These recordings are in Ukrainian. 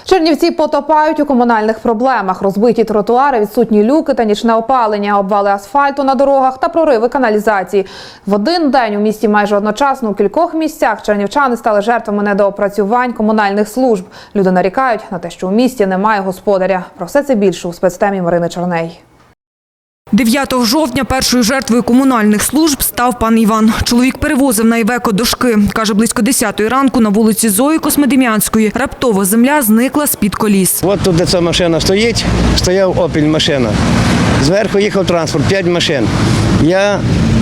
Чернівці потопають у комунальних проблемах. Розбиті тротуари, відсутні люки та нічне опалення, обвали асфальту на дорогах та прориви каналізації. В один день у місті майже одночасно у кількох місцях чернівчани стали жертвами недоопрацювань комунальних служб. Люди нарікають на те, що у місті немає господаря. Про все це більше у спецтемі Марини Черней. 9 жовтня першою жертвою комунальних служб став пан Іван. Чоловік перевозив на Івеко дошки. Каже, близько 10-ї ранку на вулиці Зої Космодем'янської раптово земля зникла з-під коліс. От тут, де ця машина стоїть, стояв «Опель» машина. Зверху їхав транспорт, 5 машин. Я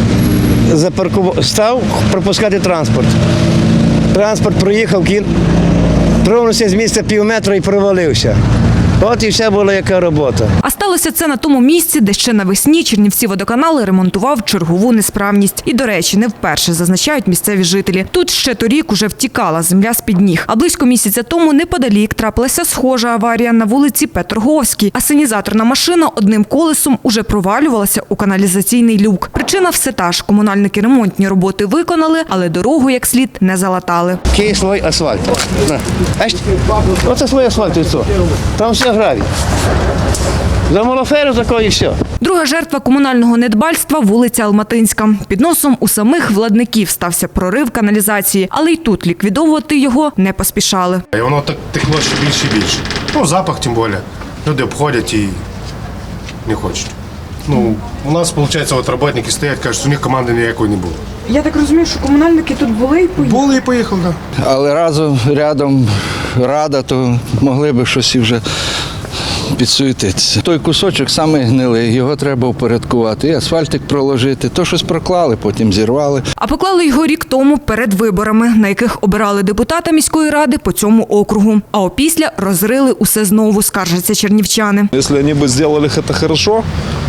став пропускати транспорт. Транспорт проїхав, тронувся з місця півметра і провалився. От і вся була яка робота. А сталося це на тому місці, де ще навесні Чернівці-водоканал ремонтував чергову несправність. І, до речі, не вперше, зазначають місцеві жителі. Тут ще торік уже втікала земля з-під ніг. А близько місяця тому неподалік трапилася схожа аварія на вулиці Петрговській. Асенізаторна машина одним колесом уже провалювалася у каналізаційний люк. Причина все та ж. Комунальники ремонтні роботи виконали, але дорогу як слід не залатали. Який слой асфальту. Оце слой асфальту і все. Там все гравій. За малоферу такої і все. Друга жертва комунального недбальства – вулиця Алматинська. Під носом у самих владників стався прорив каналізації, але й тут ліквідовувати його не поспішали. І воно так текло ще більше і більше. Запах тим більше. Люди обходять і не хочуть. У нас, виходить, працівники стоять, кажуть, що у них команди ніякої не було. Я так розумію, що комунальники тут були і поїхали? Були і поїхали, так. Але рядом рада, то могли б щось і вже підсуетитися. Той кусочок саме гнилий, його треба упорядкувати, і асфальтик проложити. То щось проклали, потім зірвали. А поклали його рік тому перед виборами, на яких обирали депутата міської ради по цьому округу. А опісля розрили усе знову, скаржаться чернівчани. Якщо вони б зробили це добре,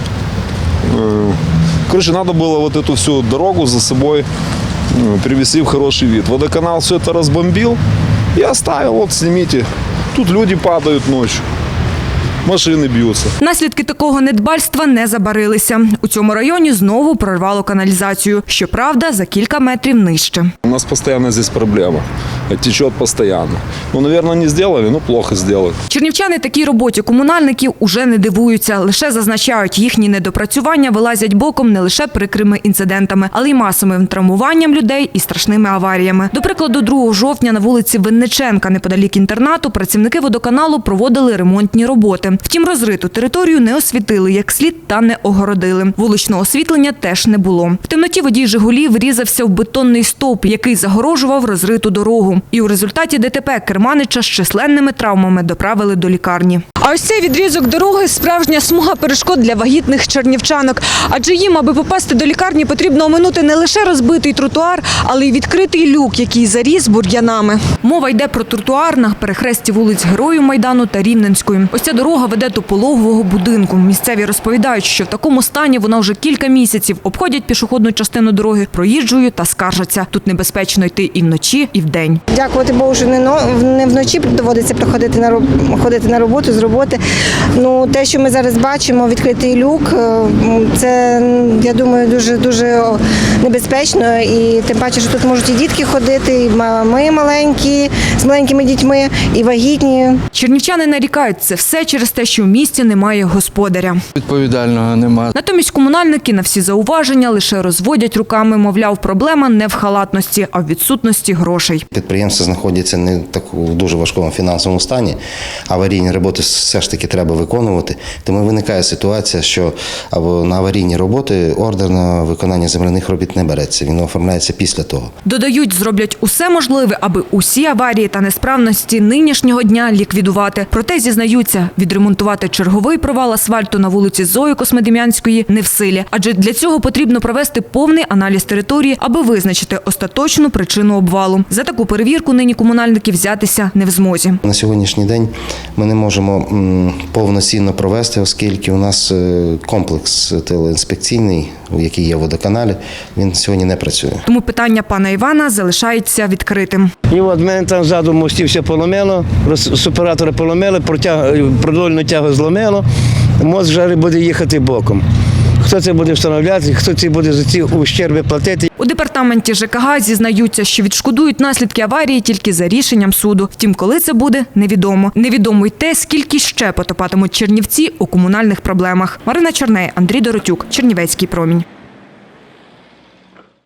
короче, надо было вот эту всю дорогу за собой привести в хороший вид. Водоканал все это разбомбил и оставил, вот снимите. Тут люди падают ночью. Машини б'ються. Наслідки такого недбальства не забарилися. У цьому районі знову прорвало каналізацію. Щоправда, за кілька метрів нижче. У нас постійно здесь проблема. Течет постійно. Наверное, не зробили, но плохо зробили. Чернівчани такій роботі комунальників уже не дивуються. Лише зазначають, їхні недопрацювання вилазять боком не лише прикрими інцидентами, але й масовим травмуванням людей і страшними аваріями. До прикладу, 2 жовтня на вулиці Винниченка, неподалік інтернату, працівники водоканалу проводили ремонтні роботи. Втім, розриту територію не освітили як слід та не огородили. Вуличного освітлення теж не було. В темноті водій «Жигулі» врізався в бетонний стовп, який загорожував розриту дорогу. І у результаті ДТП керманича з численними травмами доправили до лікарні. А ось цей відрізок дороги – справжня смуга перешкод для вагітних чернівчанок. Адже їм, аби попасти до лікарні, потрібно оминути не лише розбитий тротуар, але й відкритий люк, який заріс бур'янами. Мова йде про тротуар на перехресті вулиць Героїв Майдану та Рівненської. Ось ця дорога веде до пологового будинку. Місцеві розповідають, що в такому стані вона вже кілька місяців. Обходять пішохідну частину дороги, проїжджають та скаржаться. Тут небезпечно йти і вночі, і вдень. Дякувати Богу, що не вночі доводиться ходити на роботу, з роботи. Те, що ми зараз бачимо, відкритий люк, це, я думаю, дуже небезпечно. І тим паче, що тут можуть і дітки ходити, і ми маленькі, з маленькими дітьми, і вагітні. Чернівчани нарікають, це все через те, що в місті немає господаря. Відповідального немає. Натомість комунальники на всі зауваження лише розводять руками, мовляв, проблема не в халатності, а в відсутності грошей. Підприємства знаходяться не в дуже важкому фінансовому стані, аварійні роботи все ж таки треба виконувати. Тому виникає ситуація, що на аварійні роботи ордер на виконання земляних робіт не береться, він оформляється після того. Додають, зроблять усе можливе, аби усі аварії та несправності нинішнього дня ліквідувати. Проте, зізнаються, відремонтувати черговий провал асфальту на вулиці Зої Космодем'янської не в силі. Адже для цього потрібно провести повний аналіз території, аби визначити остаточну причину обвалу. За таку перевірку нині комунальники взятися не в змозі. На сьогоднішній день ми не можемо повноцінно провести, оскільки у нас комплекс телеінспекційний, який є в водоканалі, він сьогодні не працює. Тому питання пана Івана залишається відкритим. І от мене там ззаду мостів все поломило, суператори поломили, продольну тягу зломило, мост вже буде їхати боком. Хто це буде встановляти, хто це буде за ці ущерби платити. У департаменті ЖКГ зізнаються, що відшкодують наслідки аварії тільки за рішенням суду. Втім, коли це буде, невідомо. Невідомо й те, скільки ще потопатимуть чернівці у комунальних проблемах. Марина Чорней, Андрій Доротюк, Чернівецький промінь.